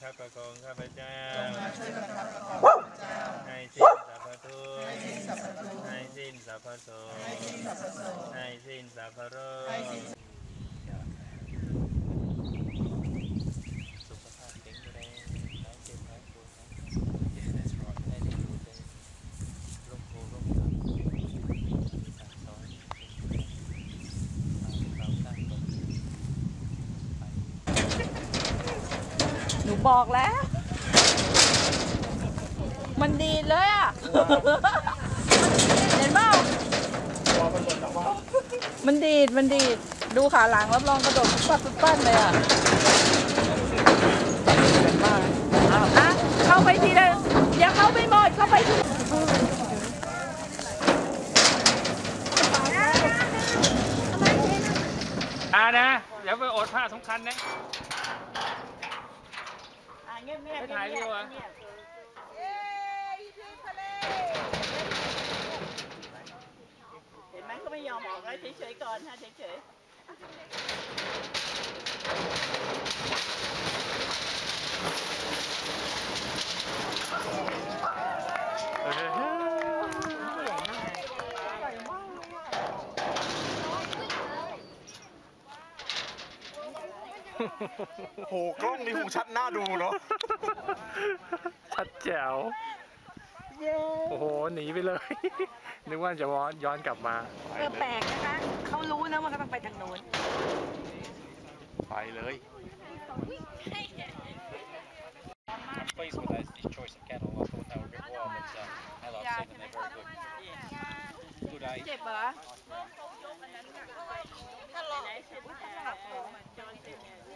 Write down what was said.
คับประคองข้าพเจ้าจงมาช่วยประคับประคองข้าพเจ้าให้สิ้นสรรพทุกข์ให้สิ้นสรรพทุกข์ให้สิ้นสรรพโศกให้สิ้นสรรพโศกให้สิ้นสรรพโรคให้สิ้นสุขภาพแข็งแรงหายเจ็บหายปวดให้ได้อยู่ในร่มโพร่มไทรมีสั่งสอนเราสร้างตนหนูบอกแล้ว มันดีเลยอ่ะ เห็นเปล่ามันดีด ดูขาหลังรับรองกระโดดปั้นเลยอ่ะเข้าไปทีเดียวอย่าเข้าไปหมดเข้าไปทีนะเดี๋ยวไปอดผ้าสำคัญนะไปถ่ายวิวอ่ะเห็นไหมเขาไม่ยอมออกเลยเฉยๆก่อนฮะเฉยโหกล้องนี้คงชัดหน้าดูเนาะชัดแจ๋วโอ้โหหนีไปเลย นึกว่าจะย้อนกลับมาแปลกนะคะเขารู้นะว่าเขาต้องไปทางโน้นไปเลย I'm pleased with this choice of cattle. I thought they were a bit wild, but as I've seen them, they're very good. Good age. เจ็บเหรอ